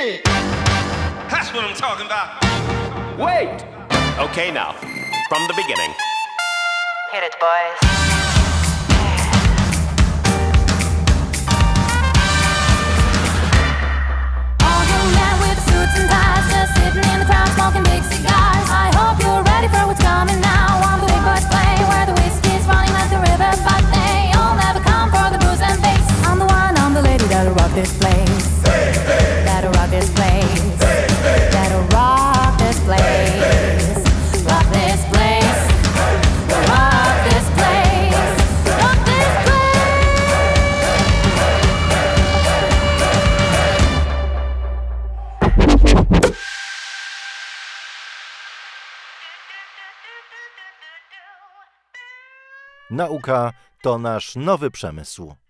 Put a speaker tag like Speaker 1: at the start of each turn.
Speaker 1: shit.
Speaker 2: That's what I'm talking about.
Speaker 1: Wait.
Speaker 3: Okay, now, from the beginning.
Speaker 4: Hit it, boys.
Speaker 5: All you men with suits and ties, just sitting in the crowd smoking big cigars. I hope you're ready for what's coming now. On the big boys play, where the whiskey's running like the river, but they all never come for the booze and bass. I'm the one, I'm the lady that'll rock this place. That'll rock this place. That'll rock this place. Rock this place. Rock this place. Rock this place.
Speaker 6: Nauka to nasz nowy przemysł.